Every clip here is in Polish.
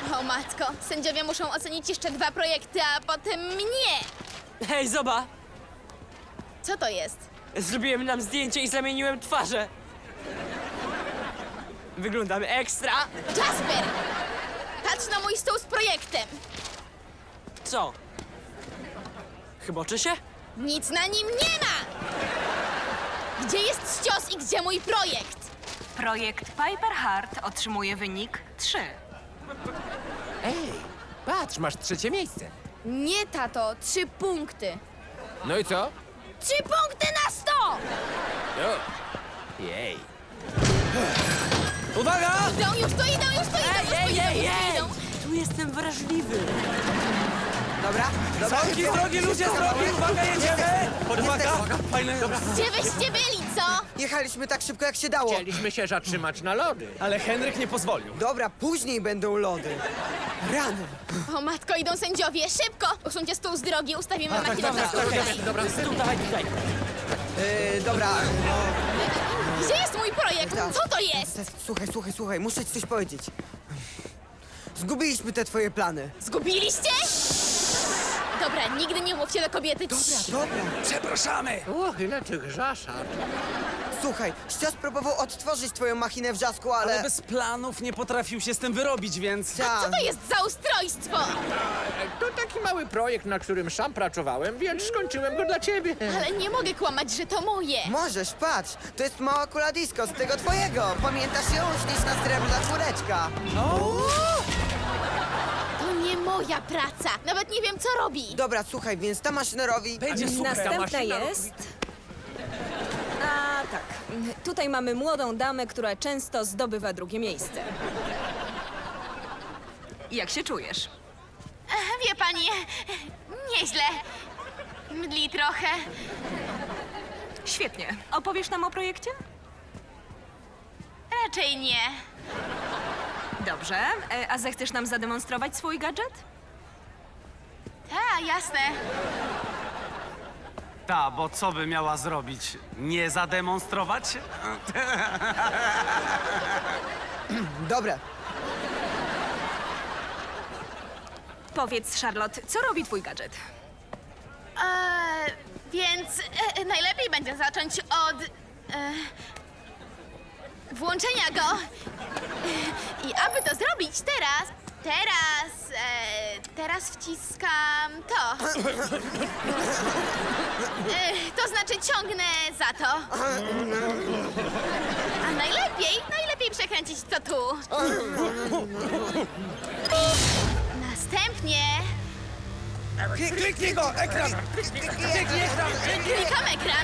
O matko, sędziowie muszą ocenić jeszcze 2 projekty, a potem mnie! Hej, zoba! Co to jest? Zrobiłem nam zdjęcie i zamieniłem twarze. Wyglądam ekstra. Jasper! Patrz na mój stół z projektem! Co? Chyboczy się? Nic na nim nie ma! Gdzie jest ścios i gdzie mój projekt? Projekt Piper Hart otrzymuje wynik 3. Ej, patrz, masz 3. miejsce. Nie, tato, 3 punkty. No i co? 3 punkty na 100! O. Jej. Uwaga! Idą, już tu idą, już tu idą, idą. Tu jestem wrażliwy. Dobra, dobra. Z drogi, ludzie, z drogi! Uwaga, jedziemy! Uwaga! Fajne. Gdzie wyście byli, co? Jechaliśmy tak szybko, jak się dało. Chcieliśmy się zatrzymać na lody. Ale Henryk nie pozwolił. Dobra, później będą lody. Rany. O matko, idą sędziowie, szybko! Usuńcie stół z drogi, ustawimy makinę na stół. Dobra, Tu, dawaj tutaj. Dobra. Gdzie jest mój projekt? Co to jest? Słuchaj, muszę ci coś powiedzieć. Zgubiliśmy te twoje plany. Zgubiliście? Dobra, nigdy nie mówcie do kobiety. Dobra. Przepraszamy! Och, ile tych żaszat. Słuchaj, Ścios próbował odtworzyć twoją machinę w Żasku, Ale bez planów nie potrafił się z tym wyrobić, więc... Co to jest za ustrojstwo? To taki mały projekt, na którym sam pracowałem, więc skończyłem go dla ciebie. Ale nie mogę kłamać, że to moje. Możesz, patrz. To jest mała kula disco z tego twojego. Pamiętasz ją? Śliczna srebrna czwóreczka. To nie moja praca. Nawet nie wiem, co robi. Dobra, słuchaj, więc ta maszynerowi... Będzie super. Następna jest... A tak, tutaj mamy młodą damę, która często zdobywa drugie miejsce. Jak się czujesz? Wie pani, nieźle. Mdli trochę. Świetnie. Opowiesz nam o projekcie? Raczej nie. Dobrze. A zechcesz nam zademonstrować swój gadżet? Tak, jasne. Ta, bo co by miała zrobić? Nie zademonstrować? Dobra. Powiedz, Charlotte, co robi twój gadżet? Więc najlepiej będzie zacząć od włączenia go. I aby to zrobić teraz wciskam to. To znaczy ciągnę za to. A najlepiej przekręcić to tu. Następnie Kliknij go! Ekran! klikam ekran.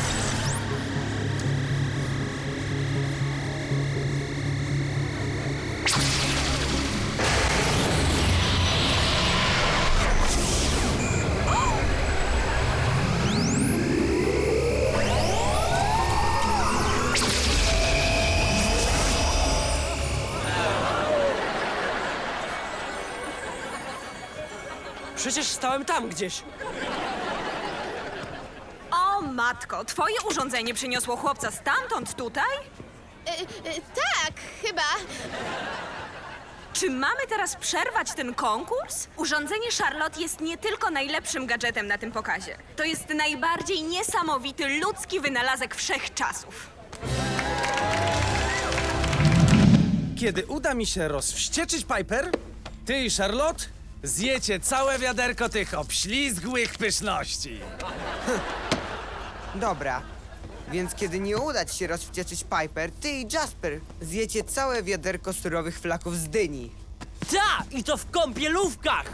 Przecież stałem tam gdzieś. O matko, twoje urządzenie przyniosło chłopca stamtąd tutaj? Tak, chyba. Czy mamy teraz przerwać ten konkurs? Urządzenie Charlotte jest nie tylko najlepszym gadżetem na tym pokazie. To jest najbardziej niesamowity ludzki wynalazek wszechczasów. Kiedy uda mi się rozwścieczyć Piper, ty i Charlotte zjecie całe wiaderko tych obślizgłych pyszności. Dobra. Więc kiedy nie uda ci się rozwścieczyć Piper, ty i Jasper zjecie całe wiaderko surowych flaków z dyni. Ta! I to w kąpielówkach!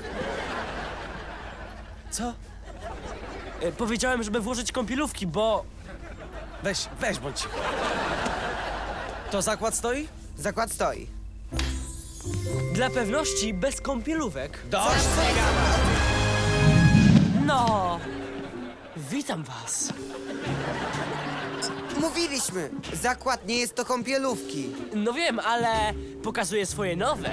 Co? Powiedziałem, żeby włożyć kąpielówki, bo... Weź bądź cicho. To zakład stoi? Zakład stoi. Dla pewności bez kąpielówek. Dość! No! Witam was. Mówiliśmy! Zakład nie jest to kąpielówki. No wiem, ale pokazuję swoje nowe.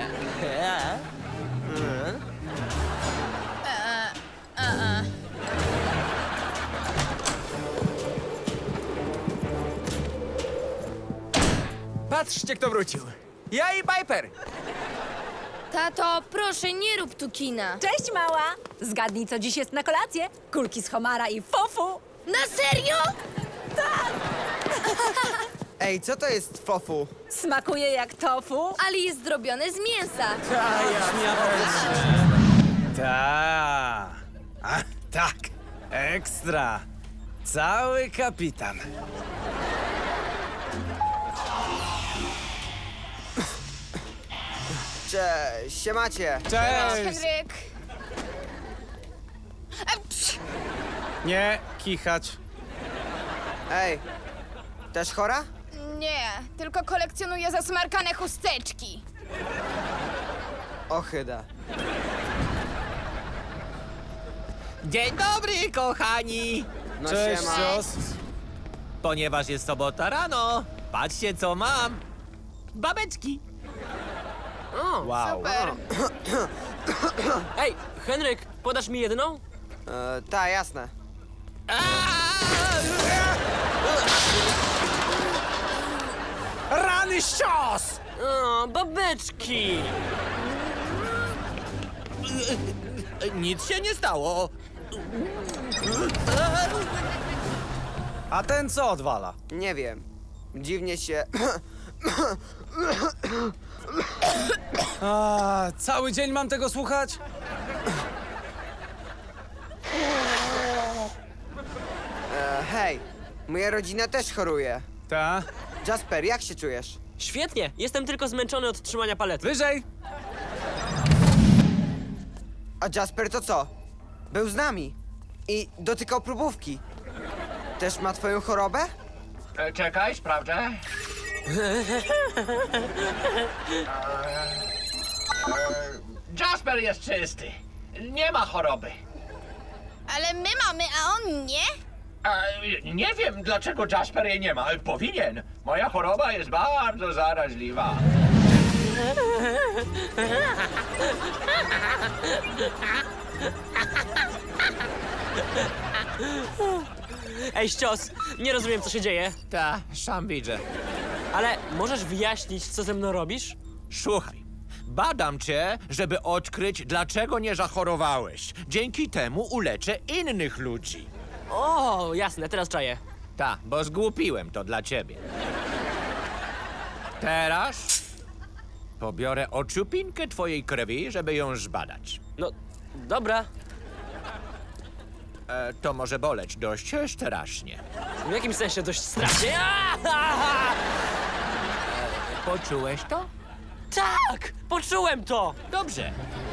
Patrzcie, kto wrócił. Ja i Piper. Tato, proszę, nie rób tu kina. Cześć, mała! Zgadnij, co dziś jest na kolację? Kulki z homara i fofu! Na serio? Ej, co to jest fofu? Smakuje jak tofu. Ale jest zrobione z mięsa. Ta. A, tak. Ekstra. Cały kapitan. Cześć, siemacie. Cześć. Henryk. Nie kichać. Ej, też chora? Nie, tylko kolekcjonuję zasmarkane chusteczki. Ochyda. Dzień dobry, kochani! No Cześć, siema. cios. Ponieważ jest sobota rano, patrzcie co mam. Babeczki. Wow. Super. Ej, Henryk, podasz mi jedną? Ta, jasne. Rany ścios! O, babeczki! Nic się nie stało. A ten co odwala? Nie wiem. Dziwnie się... A, cały dzień mam tego słuchać? Hej, moja rodzina też choruje. Ta. Jasper, jak się czujesz? Świetnie, jestem tylko zmęczony od trzymania palety. Wyżej. A Jasper to co? Był z nami. I dotykał próbówki. Też ma twoją chorobę? Czekaj, sprawdzę. Jasper jest czysty. Nie ma choroby. Ale my mamy, a on nie? Nie wiem, dlaczego Jasper jej nie ma. Powinien. Moja choroba jest bardzo zaraźliwa. Ej, ścios, nie rozumiem, co się dzieje, Ta, sam widzę. ale możesz wyjaśnić, co ze mną robisz? Słuchaj, badam cię, żeby odkryć, dlaczego nie zachorowałeś. Dzięki temu uleczę innych ludzi. O, jasne, teraz czaję. Ta, bo zgłupiłem to dla ciebie. Teraz pobiorę ociupinkę twojej krwi, żeby ją zbadać. No, dobra. To może boleć dość strasznie. W jakim sensie dość strasznie? Aaaa! Poczułeś to? Tak, poczułem to! Dobrze.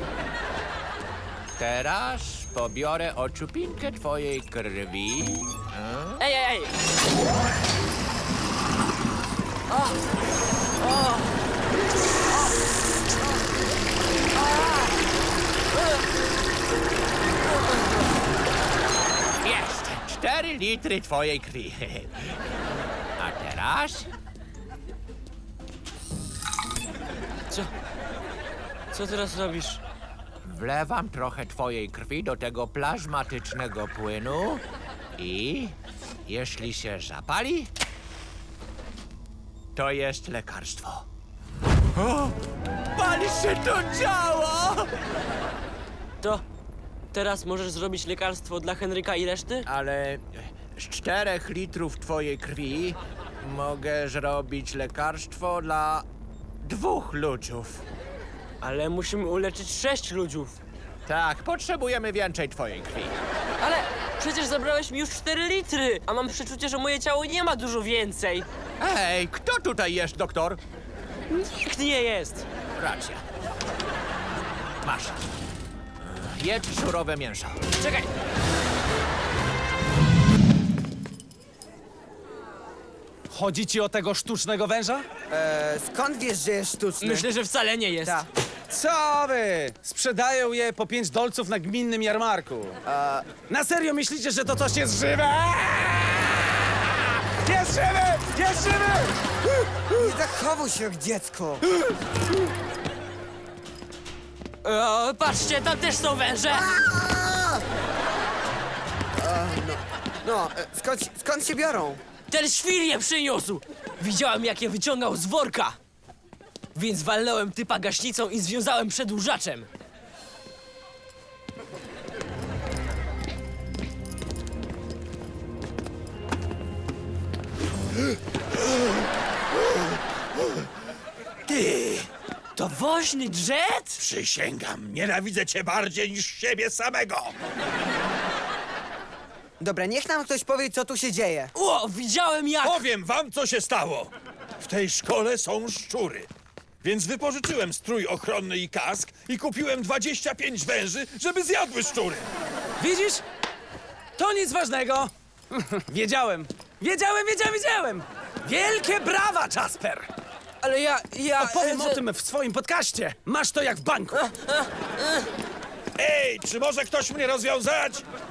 Teraz pobiorę ociupinkę twojej krwi. Ej, ej, ej! Jest! 4 litry twojej krwi. A teraz Co teraz robisz? wlewam trochę twojej krwi do tego plazmatycznego płynu i jeśli się zapali, to jest lekarstwo. O! Pali się to ciało! To teraz możesz zrobić lekarstwo dla Henryka i reszty? Ale z 4 litrów twojej krwi mogę zrobić lekarstwo dla 2 ludziów. Ale musimy uleczyć 6 ludziów. Tak, potrzebujemy więcej twojej krwi. Ale przecież zabrałeś mi już 4 litry, a mam przeczucie, że moje ciało nie ma dużo więcej. Ej, kto tutaj jest, doktor? Nikt nie jest. Racja. Masz. Jedz surowe mięso. Czekaj. Chodzi ci o tego sztucznego węża? Skąd wiesz, że jest sztuczny? Myślę, że wcale nie jest. Ta. Co wy? Sprzedają je po 5 dolców na gminnym jarmarku. Na serio myślicie, że to coś jest żywe? Jest żywy! Jest żywy! Nie zachowuj się jak dziecko. O, patrzcie, tam też są węże. No, skąd się biorą? Ten świr je przyniósł. Widziałem, jak je wyciągał z worka. Więc walnąłem typa gaśnicą i związałem przedłużaczem. Ty! To woźny jet? Przysięgam, nienawidzę cię bardziej niż siebie samego! Dobra, niech nam ktoś powie, co tu się dzieje. O, widziałem jak... Powiem wam, co się stało. W tej szkole są szczury. Więc wypożyczyłem strój ochronny i kask i kupiłem 25 węży, żeby zjadły szczury. Widzisz? To nic ważnego. Wiedziałem. Wiedziałem. Wielkie brawa, Jasper. Ale ja... Opowiem o tym w swoim podcaście. Masz to jak w banku. Ej, czy może ktoś mnie rozwiązać?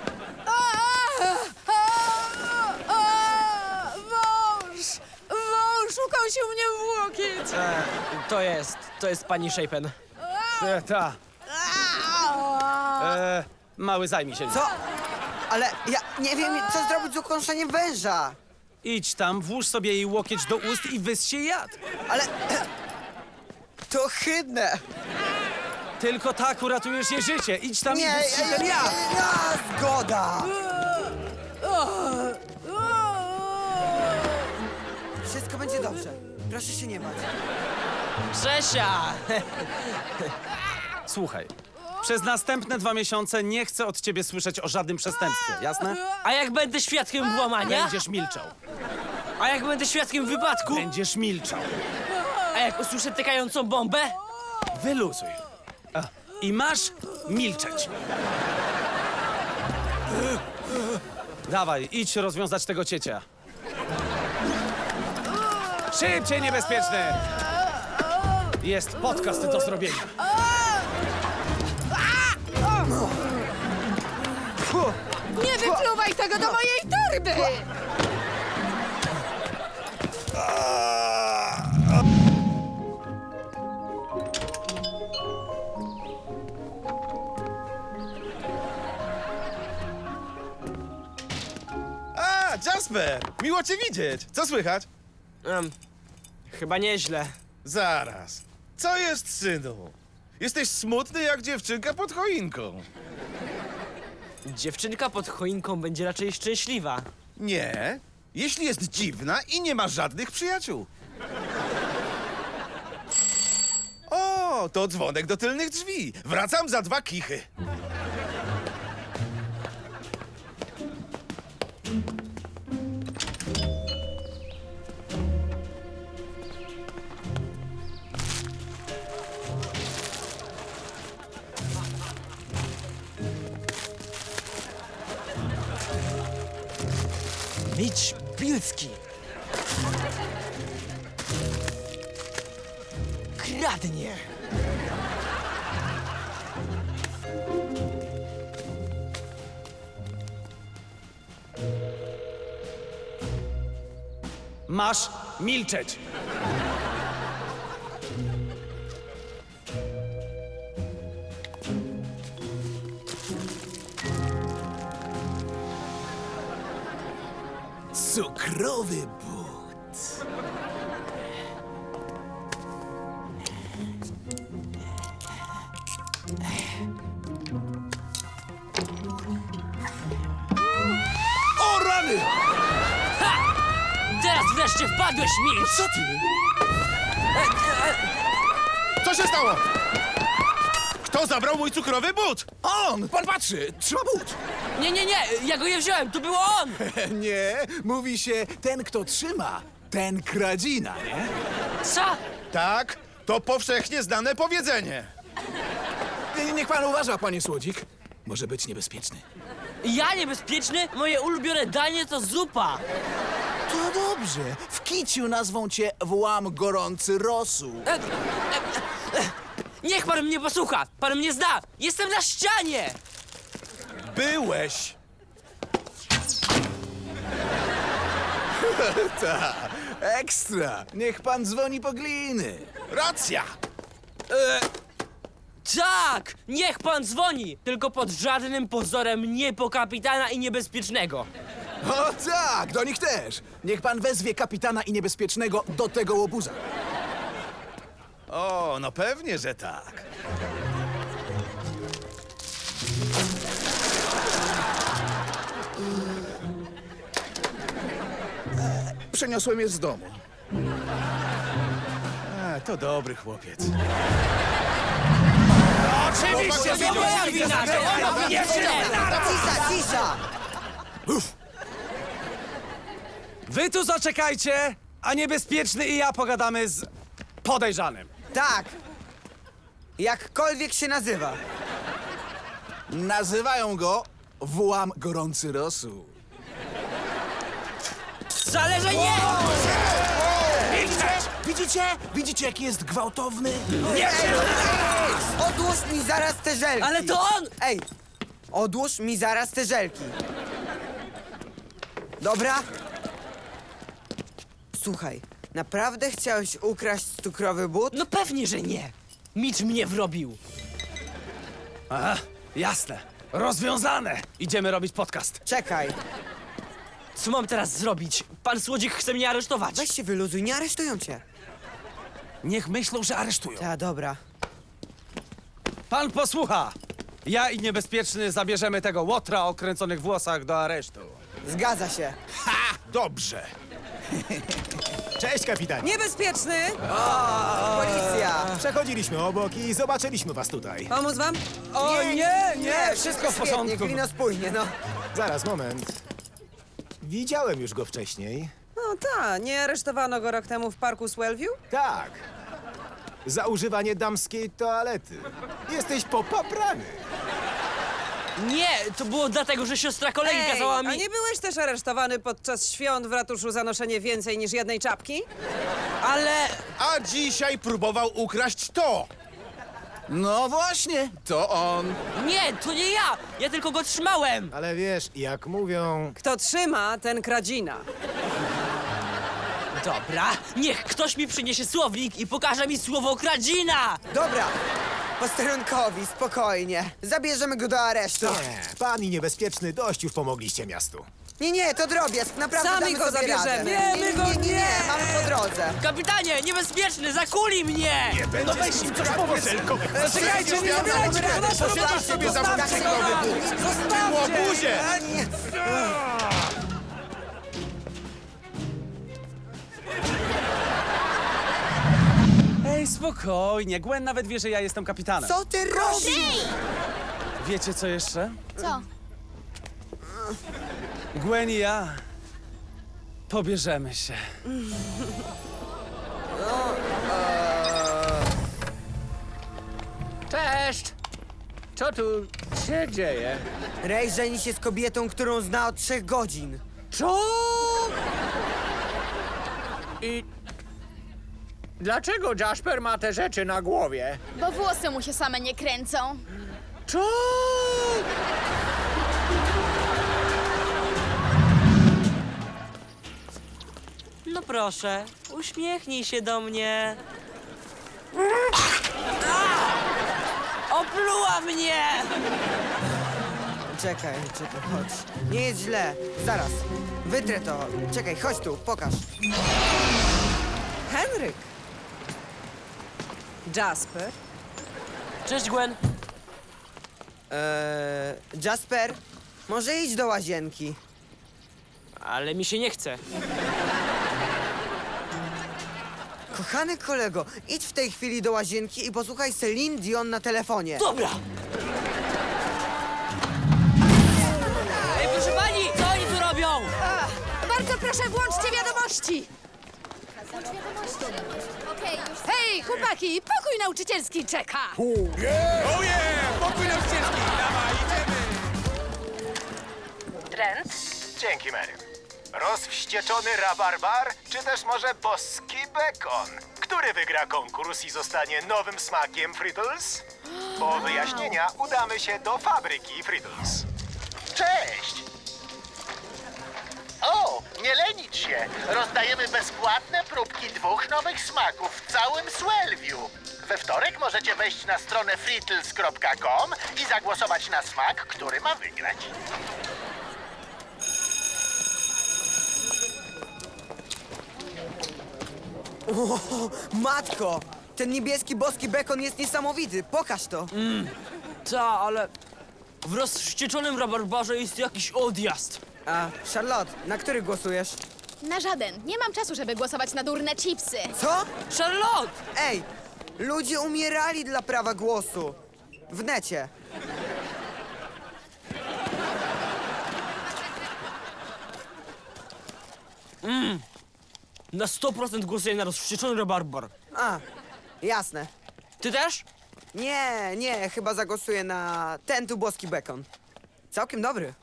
Wąż ukąsił mnie w łokieć! To jest pani Shapen. Ta. Mały, zajmij się. Co? Ale ja nie wiem, co zrobić z ukąszeniem węża. Idź tam, włóż sobie jej łokieć do ust i wyss się jad. Ale... To ohydne. Tylko tak uratujesz jej życie. Idź tam i Nie, wyss się ten jad. zgoda. Wszystko będzie dobrze. Proszę się nie bać. Grzesia! Słuchaj, przez następne 2 miesiące nie chcę od ciebie słyszeć o żadnym przestępstwie, jasne? A jak będę świadkiem włamania? Będziesz milczał. A jak będę świadkiem wypadku? Będziesz milczał. A jak usłyszę tykającą bombę? Wyluzuj. I masz milczeć. Dawaj, idź rozwiązać tego ciecia. Szybciej, niebezpieczny! Jest podcast do zrobienia. Nie wypluwaj tego do mojej torby! A, Jasper! Miło cię widzieć! Co słychać? Chyba nieźle. Zaraz. Co jest, synu? Jesteś smutny jak dziewczynka pod choinką. Dziewczynka pod choinką będzie raczej szczęśliwa. Nie, jeśli jest dziwna i nie ma żadnych przyjaciół. O, to dzwonek do tylnych drzwi. Wracam za 2 kichy. Mitch Bilski. Kradnie. Masz milczeć. Cukrowy but. O rany! Teraz wreszcie wpadłeś, Mitch! Co ty? Co się stało? Kto zabrał mój cukrowy but? On! Pan patrzy! Trzyma but! Nie, ja go nie wziąłem, to było on! Nie, mówi się ten, kto trzyma, ten kradzina, nie? Co? Tak, to powszechnie znane powiedzenie. Niech pan uważa, panie Słodzik. Może być niebezpieczny. Ja niebezpieczny? Moje ulubione danie to zupa! To dobrze. W kiciu nazwą cię włam gorący rosół. Niech pan mnie posłucha! Pan mnie zna! Jestem na ścianie! Byłeś. Ta, ekstra. Niech pan dzwoni po gliny. Racja. Tak! Niech pan dzwoni! Tylko pod żadnym pozorem nie po kapitana i niebezpiecznego. O tak, do nich też. Niech pan wezwie kapitana i niebezpiecznego do tego łobuza. O, no pewnie, że tak. Przeniosłem je z domu. To dobry chłopiec. Oczywiście, to moja wina! Cisza, cisza! Wy tu zaczekajcie, a Niebezpieczny i ja pogadamy z podejrzanym. Tak! Jakkolwiek się nazywa. Nazywają go Włam Gorący Rosół. Wcale, że nie! Widzicie, jaki jest gwałtowny? Odłóż mi zaraz te żelki! Ale to on! Ej! Odłóż mi zaraz te żelki. Dobra? Słuchaj, naprawdę chciałeś ukraść cukrowy but? No pewnie, że nie. Mitch mnie wrobił. Aha, jasne. Rozwiązane. Idziemy robić podcast. Czekaj, Co mam teraz zrobić? Pan Słodzik chce mnie aresztować. weź się wyluzuj, nie aresztują cię. Niech myślą, że aresztują. Ta, dobra. Pan posłucha. Ja i Niebezpieczny zabierzemy tego łotra o kręconych włosach do aresztu. Zgadza się. Dobrze. Cześć, kapitanie. Niebezpieczny! Policja! Przechodziliśmy obok i zobaczyliśmy was tutaj. Pomóc wam? O nie, wszystko w świetnie, porządku. klino spójnie, no. Zaraz, moment. Widziałem już go wcześniej. No tak, nie aresztowano go rok temu w parku Swellview? Tak. Za używanie damskiej toalety. Jesteś popaprany. Nie, to było dlatego, że siostra kolegi kazała a mi... nie byłeś też aresztowany podczas świąt w ratuszu za noszenie więcej niż jednej czapki? Ale... A dzisiaj próbował ukraść to. No właśnie, to on. Nie, to nie ja! Ja tylko go trzymałem! Ale wiesz, jak mówią... Kto trzyma, ten kradzina. Dobra, niech ktoś mi przyniesie słownik i pokaże mi słowo kradzina! Dobra, posterunkowi, spokojnie. Zabierzemy go do aresztu. Nie, pan i Niebezpieczny dość już pomogliście miastu. Nie, to drobiazg, naprawdę Sami damy go sobie zabierzemy. radę. Nie, my go nie, mamy po drodze. Kapitanie, Niebezpieczny, zakuli mnie! No weź im coś powiedz. Czekajcie, nie zabierajcie go do nas. Posiedzisz sobie za kasynowy but. Zostawcie! Łobuzie! Ej, spokojnie. Gwen nawet wie, że ja jestem kapitanem. Co ty robisz? Wiecie co jeszcze? Co? Gwen i ja pobierzemy się. Cześć! Co tu się dzieje? Ray żeni się z kobietą, którą zna od 3 godzin. Co? I dlaczego Jasper ma te rzeczy na głowie? Bo włosy mu się same nie kręcą. Co? No proszę, uśmiechnij się do mnie. Opluła mnie! Czekaj, chodź. Nie jest źle. Zaraz. Wytrę to. Czekaj, chodź tu, pokaż. Henryk. Jasper. Cześć, Gwen. Jasper, może idź do łazienki. Ale mi się nie chce. Kochany kolego, idź w tej chwili do łazienki i posłuchaj Celine Dion na telefonie. Dobra! Ej, proszę pani, co oni tu robią? Bardzo proszę, włączcie wiadomości! Okej, już. Hej, chłopaki, pokój nauczycielski czeka! Oje! Pokój nauczycielski! Dawaj, idziemy! Trent? Dzięki, Mary. Rozwścieczony rabarbar, czy też może boski bekon? Który wygra konkurs i zostanie nowym smakiem Frittles? Po wyjaśnienia udamy się do fabryki Frittles. Cześć! O, nie lenić się! Rozdajemy bezpłatne próbki 2 nowych smaków w całym Swellview. We wtorek możecie wejść na stronę frittles.com i zagłosować na smak, który ma wygrać. Matko, Ten niebieski boski bekon jest niesamowity. Pokaż to. Ta, ale w rozwścieczonym rabarbarze jest jakiś odjazd. A, Charlotte, na który głosujesz? Na żaden. Nie mam czasu, żeby głosować na durne chipsy. Co? Charlotte! Ej, ludzie umierali dla prawa głosu. W necie. Na 100% głosuję na rozwścieczony rabarbar. A, jasne. Ty też? Nie, chyba zagłosuję na ten tu boski bekon. Całkiem dobry.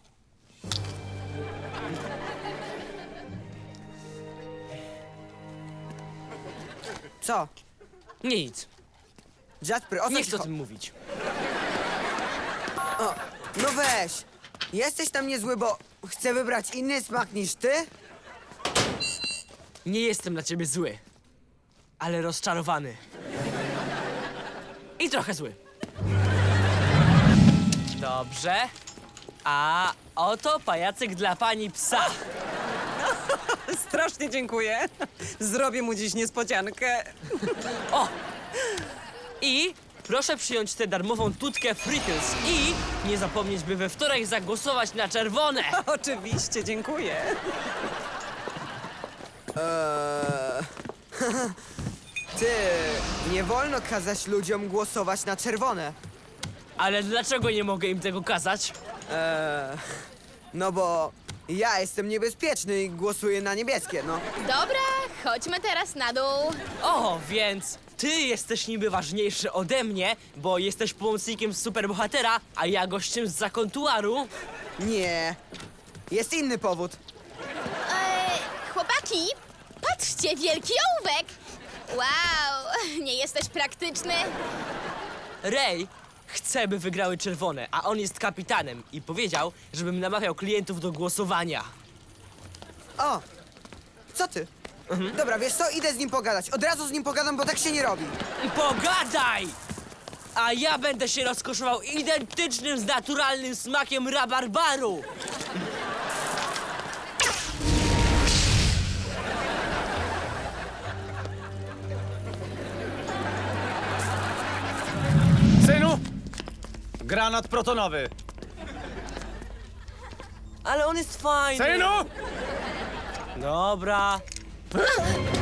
Co? Nic. Jasper, o co Nie ci chcę o cho- tym mówić. O, no weź. Jesteś tam niezły, bo chcę wybrać inny smak niż ty? Nie jestem na ciebie zły, ale rozczarowany. I trochę zły. Dobrze. A oto pajacyk dla pani psa. Strasznie dziękuję. Zrobię mu dziś niespodziankę. O! I proszę przyjąć tę darmową tutkę Frittles i nie zapomnieć, by we wtorek zagłosować na czerwone. Oczywiście, dziękuję. Ty, nie wolno kazać ludziom głosować na czerwone. Ale dlaczego nie mogę im tego kazać? No bo ja jestem niebezpieczny i głosuję na niebieskie, no. Dobra, chodźmy teraz na dół. O, więc ty jesteś niby ważniejszy ode mnie, bo jesteś pomocnikiem superbohatera, a ja gościem z zakontuaru. Nie, jest inny powód. Chłopaki, patrzcie, wielki ołówek. Wow, nie jesteś praktyczny? Ray chce, by wygrały czerwone, a on jest kapitanem i powiedział, żebym namawiał klientów do głosowania. O, co ty? Dobra, wiesz co, idę z nim pogadać. Od razu z nim pogadam, bo tak się nie robi. Pogadaj! A ja będę się rozkoszował identycznym z naturalnym smakiem rabarbaru. Synu! Granat protonowy. Ale on jest fajny. Synu! Dobra.